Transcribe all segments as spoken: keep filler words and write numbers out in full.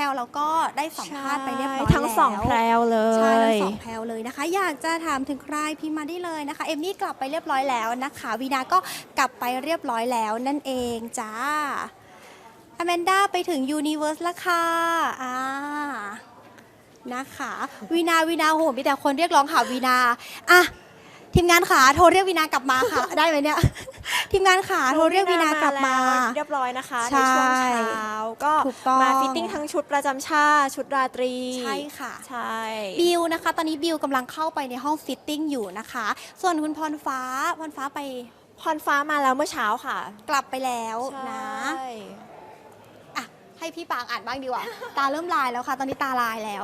วแล้วก็ได้สัมภาษณ์ไปเรียบร้อยแล้วทั้งสองแพรวเลใช่ทั้ยงสองแพรวเลยนะคะอยากจะถามถึงใครพิมพ์มาได้เลยนะคะเอมมี่กลับไปเรียบร้อยแล้วนะคะวีนาก็กลับไปเรียบร้อยแล้วนั่นเองจ้าอแมนด้าไปถึงยูนิเวอร์สแล้วค่ะอ่านะคะวีนาวีนาโหมีแต่คนเรียกร้องหาวีนาอ่ะทีมงานขาโทรเรียกวีนากลับมาค่ะ ได้ไหมเนี่ย ทีมงานขาโทรเรียกวีนากลับมาเรียบร้อยนะคะใช่ในช่วงเช้าก็ถูกต้องมาฟิตติ้งทั้งชุดประจำชาติชุดราตรีใช่ค่ะใช่บิวนะคะ ตอนนี้บิวกำลังเข้าไปในห้องฟิตติ้งอยู่นะคะ ส่วนคุณพรฟ้าพรฟ้าไปพรฟ้ามาแล้วเมื่อเช้าค่ะกลับไปแล้วนะใช่อ่ะให้พี่ปางอ่านบ้างดีกว่า ตาเริ่มลายแล้วค่ะ ตอนนี้ตาลายแล้ว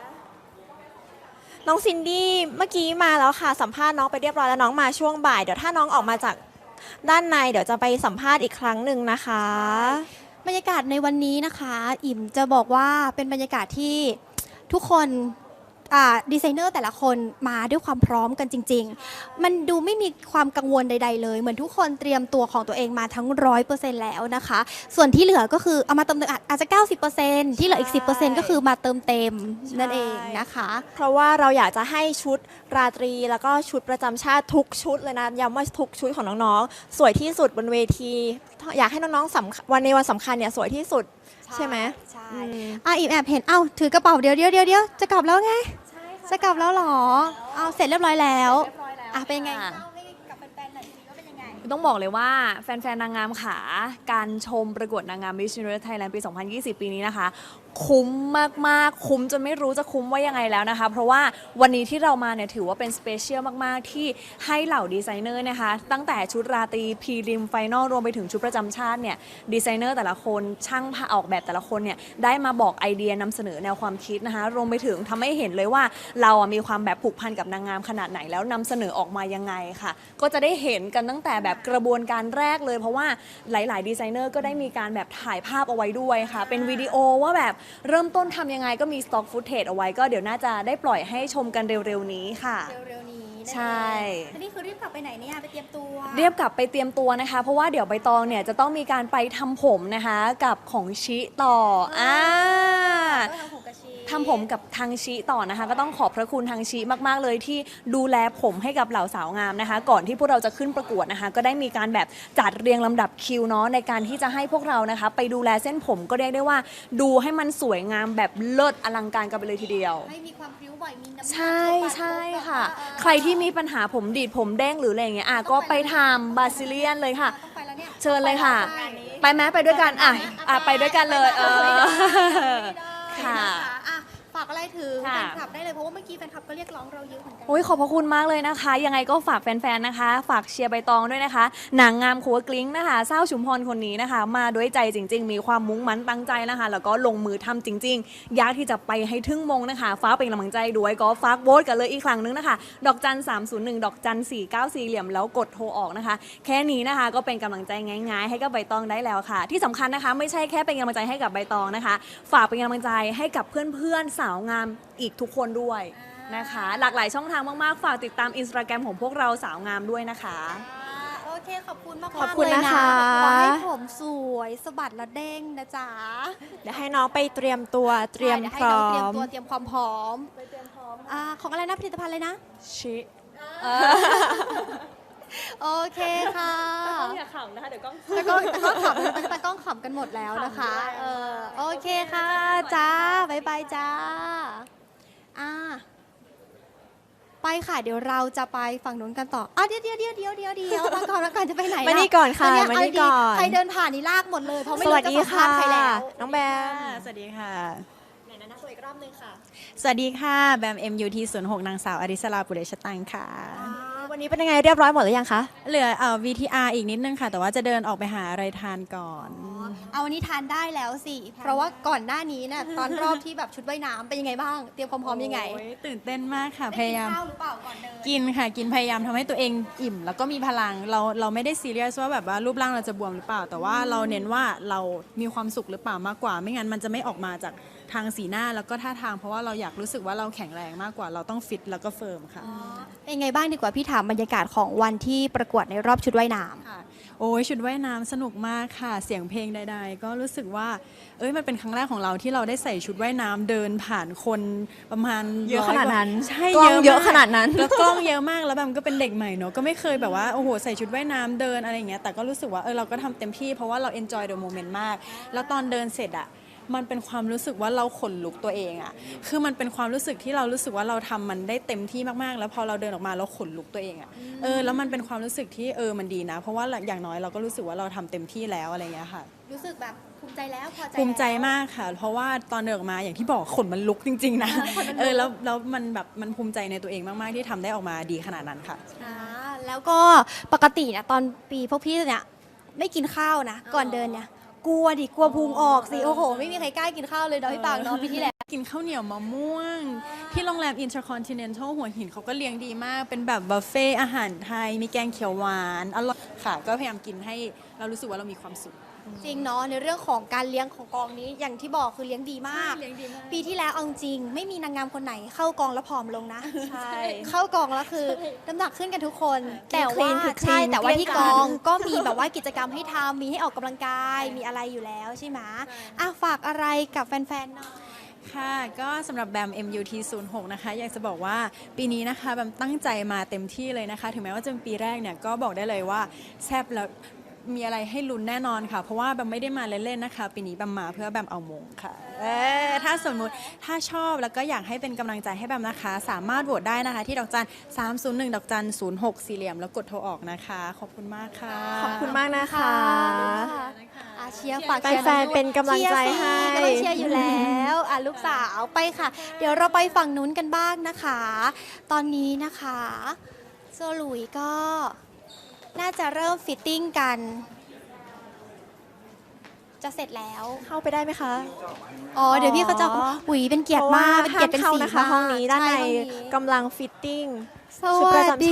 น้องซินดี้เมื่อกี้มาแล้วค่ะสัมภาษณ์น้องไปเรียบร้อยแล้วน้องมาช่วงบ่ายเดี๋ยวถ้าน้องออกมาจากด้านในเดี๋ยวจะไปสัมภาษณ์อีกครั้งหนึ่งนะคะบรรยากาศในวันนี้นะคะ อิ่มจะบอกว่าเป็นบรรยากาศที่ทุกคนอ่าดีไซเนอร์แต่ละคนมาด้วยความพร้อมกันจริง ๆ มันดูไม่มีความกังวลใด ๆ เลย เหมือนทุกคนเตรียมตัวของตัวเองมาทั้งร้อยเปอร์เซ็นต์แล้วนะคะ ส่วนที่เหลือก็คือเอามาเติมเต็มอาจจะ เก้าสิบเปอร์เซ็นต์ ที่เหลืออีก สิบเปอร์เซ็นต์ ก็คือมาเติมเต็มนั่นเองนะคะเพราะว่าเราอยากจะให้ชุดราตรีแล้วก็ชุดประจำชาติทุกชุดเลยนะย้ำว่าทุกชุดของน้องๆสวยที่สุดบนเวทีอยากให้น้องๆสำคัญวันในวันสำคัญเนี่ยสวยที่สุดใช่ไหมใช่อืมอ่ะอิ่มแอบเห็นเอ้าถือกระเป๋าเดี๋ยวเดี๋ยวเดี๋ยวเดี๋ยวจะกลับแล้วไงจะกลับแล้วเหรอเอาเสร็จเรียบร้อยแล้วอ่ะเป็นไงค่ะเล่าให้กับแฟนๆหน่อยสิว่าเป็นยังไงต้องบอกเลยว่าแฟนๆ นางงามขาการชมประกวดนางงาม Miss Universe Thailand ปี สองพันยี่สิบ ปีนี้นะคะ คุ้มมากๆ คุ้มจนไม่รู้จะคุ้มว่ายังไงแล้วนะคะ เพราะว่าวันนี้ที่เรามาเนี่ยถือว่าเป็นสเปเชียลมากๆ ที่ให้เหล่าดีไซเนอร์นะคะ ตั้งแต่ชุดราตรีพรีริมไฟนอลรวมไปถึงชุดประจำชาติเนี่ยดีไซเนอร์แต่ละคนช่างผ้าออกแบบแต่ละคนเนี่ยได้มาบอกไอเดียนำเสนอแนวความคิดนะคะรวมไปถึงทำให้เห็นเลยว่าเราอ่ะมีความแบบผูกพันกับนางงามขนาดไหนแล้วนำเสนอออกมายังไงค่ะ ก็จะได้เห็นกันตั้งแต่แบบกระบวนการแรกเลย เพราะว่าหลาย ๆ ดีไซเนอร์ก็ได้มีการแบบถ่ายภาพเอาไว้ด้วยค่ะ เป็นวิดีโอว่าแบบเริ่มต้นทำยังไงก็มีสต็อกฟุตเทจเอาไว้ก็เดี๋ยวน่าจะได้ปล่อยให้ชมกันเร็ว ๆ นี้ค่ะเร็วๆนี้นั่นเองใช่แล้วนี่คือรีบกลับไปไหนเนี่ยไปเตรียมตัวเรียบกลับไปเตรียมตัวนะคะ เพราะว่าเดี๋ยวใบตองเนี่ยจะต้องมีการไปทำผมนะคะกับของชิต่ออ่าก็ทำผมกระชีทำผมกับทางชิต่อนะคะ ก็ต้องขอบพระคุณทางชิมากๆเลยที่ดูแลผมให้กับเหล่าสาวงามนะคะ ก่อนที่พวกเราจะขึ้นประกวดนะคะ ก็ได้มีการแบบจัดเรียงลำดับคิวเนาะในการที่จะให้พวกเรานะคะ ไปดูแลเส้นผมก็เรียกได้ว่า ดูให้มันสวยงามแบบเลิศอลังการกันไปเลยทีเดียวให้มีความพริ้วไหวมีน้ำหนักใช่เข้าไปใช่ค่ะเออใครที่มีปัญหาผมดีดผมเด้งหรืออะไรอย่างเงี้ยอ่ะก็ไปทำบาซิเลียนเลยค่ะต้องไปแล้วเนี่ยเชิญเลยค่ะต้องไปแล้วไปไหมไปด้วยกันอ่ะอ่ะไปด้วยกันเลยเออไม่ได้ค่ะนะคะอ่ะฝากอะไรถึงแฟค่ะนคลับได้เลยเพราะว่าเมื่อกี้แฟนคลับก็เรียกร้องเราเยอะเหมือนกัโอ้ยขอบพระคุณมากเลยนะคะ ยังไงก็ฝากแฟนๆนะคะ ฝากเชียร์ใบตองด้วยนะคะนางงามขัวกลิ้งนะคะเศร้าชุมพรคนนี้นะคะ มาด้วยใจจริง ๆ มีความมุ่งมั่นตั้งใจนะคะ แล้วก็ลงมือทำจริง ๆ อยากที่จะไปให้ถึงมงนะคะ ฟ้าเป็นกำลังใจด้วยก็ฝากโหวตกันเลยอีกครั้งนึงนะคะ ดอกจันสามศูนย์หนึ่งดอกจันสี่เก้าสี่เหลี่ยมแล้วกดโทรออกนะคะ แค่นี้นะคะก็เป็นกำลังใจง่ายๆ ให้กับใบตองได้แล้วค่ะ ที่สำคัญนะคะ ไม่ใช่แค่เป็นกำลังใจให้กับใบตองนะคะ ฝากเป็นกำลังใจให้กับเพื่อนๆสาวงามอีกทุกคนด้วยนะคะ หลากหลายช่องทางมากๆ ฝากติดตามอินสตาแกรมของพวกเราสาวงามด้วยนะคะอ่าโอเคขอบคุณมากๆขอบคุณเลยนะคะขอให้ผมสวยสะบัดและเด้งนะจ๊ะเดี๋ยวให้น้องไปเตรียมตัวเตรียมใช่พร้อเดี๋ยวให้น้งเตรียมมตัวเตรียมความพร้อมอ่าของอะไรนะผลิตภัณฑ์เลยนะชิโอเคค่ะอย่าขำนะคะ เดี๋ยวกล้องตะกล้องตะกล้องขำตะกล้องขำกันหมดแล้วนะคะ เออโอเคค่ะจ้าบ๊ายบายจ้าอ่าไปค่ะเดี๋ยวเราจะไปฝั่งนู้นกันต่ออ่ะเดี๋ยวเดี๋ยวเดี๋ยวเดี๋ยวเดี๋ยวเดี๋ยวมาก่อนมาก่อนจะไปไหนล่ะมานี่ก่อนค่ะเยมานี่เาดีก่อนใครเดินผ่านนี่ลากหมดเลยเพราะไม่สรู้วัสจะดีสัมภาค่ะษณ์ใครแล้วน้องแบมสวัสดีค่ะไหนนะนะสวยอีกรอบนึงค่ะสวัสดีค่ะแบม เอ็ม ยู ที ศูนย์หก นางสาวอริสราปุเรชตังค่ะวันนี้เป็นยังไงเรียบร้อยหมดหรือยังคะเหลือเอ่อ วี ที อาร์ อีกนิดนึงค่ะ แต่ว่าจะเดินออกไปหาอะไรทานก่อนเอาวันนี้ทานได้แล้วสิ เพราะว่าก่อนหน้านี้เนี่ยตอนรอบที่แบบชุดว่ายน้ำเป็นยังไงบ้าง เตรียมความพร้อมยังไงโอ้ยตื่นเต้นมากค่ะ พได้ยายามกินข้าวหรือเปล่าก่อนเดินกินค่ะ กินพยายามทำให้ตัวเองอิ่ม แล้วก็มีพลัง เราเราไม่ได้ซีเรียสว่าแบบว่ารูปร่างเราจะบวมหรือเปล่า แต่ว่าเราเน้นว่าเรามีความสุขหรือเปล่ามากกว่า ไม่งั้นมันจะไม่ออกมาจากทางสีหน้าแล้วก็ท่าทาง เพราะว่าเราอยากรู้สึกว่าเราแข็งแรงมากกว่า เราต้องฟิตแล้วก็เฟิร์มค่ะเป็นไงบ้างดีกว่าพี่ถามบรรยากาศของวันที่ประกวดในรอบชุดว่ายน้ำค่ะโอ้ยชุดว่ายน้ำสนุกมากค่ะ เสียงเพลงใดๆ ก็รู้สึกว่า เอ้ยมันเป็นครั้งแรกของเราที่เราได้ใส่ชุดว่ายน้ำเดินผ่านคนประมาณเยอะร้ขนาดนั้นกว่ใช่กล้องเยอะมกขนาดนั้นแล้วกล้องเยอะมากแล้วแบบก็เป็นเด็กใหม่เนอะก็ไม่เคยแบบว่าโอ้โหใส่ชุดว่ายน้ำเดินอะไรอย่างเงี้ยแต่ก็รู้สึกว่าเออเราก็ทำเต็มที่เพราะว่าเรา enjoy the moment มาก แล้วตอนเดินเสร็จอะมันเป็นความรู้สึกว่าเราขนลุกตัวเองอะคือมันเป็นความรู้สึกที่เรารู้สึกว่าเราทำมันได้เต็มที่มากๆ แล้วพอเราเดินออกมาเราขนลุกตัวเองอะเออแล้วมันเป็นความรู้สึกที่เออมันดีนะ เพราะว่าอย่างน้อยเราก็รู้สึกว่าเราทำเต็มที่แล้วอะไรอย่างเงี้ยค่ะรู้สึกแบบภูมิใจแล้วพอใจภูมิใจแล้วมากค่ะ เพราะว่าตอนเดินออกมาอย่างที่บอกขนมันลุกจริง ๆ นะ เออแล้วแล้วมันแบบมันภูมิใจในตัวเองมากๆที่ทำได้ออกมาดีขนาดนั้นค่ะอ่าแล้วก็ปกติเนี่ยตอนปีพวกพี่เนี่ยไม่กินข้าวนะ ก่อนเดินเนี่ย กลัวดิกลัวพุงออกสิ โอ้โห ไม่มีใครกล้ากินข้าวเลยเนาะพี่ปางเนาะปีที่แล้วกินข้าวเหนียวมะม่วง ที่โรงแรม Intercontinental หัวหินเขาก็เลี้ยงดีมาก เป็นแบบบุฟเฟ่อาหารไทย มีแกงเขียวหวานอร่อยค่ะ ก็พยายามกินให้เรารู้สึกว่าเรามีความสุขจริงเนาะในเรื่องของการเลี้ยงของกองนี้อย่างที่บอกคือเลี้ยงดีมากเลี้ยงดีมากปีที่แล้วเอาจริงไม่มีนางงามคนไหนเข้ากองแล้วผอมลงนะใช่เข้ากองแล้วคือน้ำหนักขึ้นกันทุกคนกินแต่ว่า clean คือใช่ clean แต่ว่าที่เกลี้กยงองก็มีแบบว่ากิจกรรมให้ทำมีให้ออกกำลังกายมีอะไรอยู่แล้วใช่ไหมอ่ะฝากอะไรกับแฟนๆหน่อยค่ะ ก็สำหรับแบม เอ็ม ยู ที ศูนย์หก นะคะ อยากจะบอกว่าปีนี้นะคะแบมตั้งใจมาเต็มที่เลยนะคะ ถึงแม้ว่าจะเป็นปีแรกเนี่ย ก็บอกได้เลยว่าแซ่บแล้วมีอะไรให้ลุ้นแน่นอนค่ะ เพราะว่าแบมไม่ได้มาเล่นๆนะคะ ปีนี้แบมมาเพื่อแบมเอามงค่ะ เออถ้าสมมุติถ้าชอบแล้วก็อยากให้เป็นกำลังใจให้แบมนะคะ สามารถโหวตได้นะคะ ที่ดอกจันสามศูนย์หนึ่งดอกจันศูนย์หกสี่เหลี่ยมแล้วกดโทรออกนะคะ ขอบคุณมากค่ะขอบคุณมากนะคะอาเชียร์ฝากเชียร์แฟนๆเป็นกำลังใจให้เชียร์สิกำลังเชียร์อยู่แล้วอ่ะลูกสาวไปค่ะ เดี๋ยวเราไปฝั่งนู้นกันบ้างนะคะ ตอนนี้นะคะโซลุยก็น่าจะเริ่มฟิตติ้งกัน จะเสร็จแล้วเข้าไปได้ไหมคะอ๋อ เดี๋ยวพี่เขาจะหุยเป็นเกียรติมาก เป็นพระเกียรติเป็นห้เข้าสีนะคะมากห้องนี้ด้านในช่ห้องนี้กำลังฟิตติ้งสชุดวัประสจำดี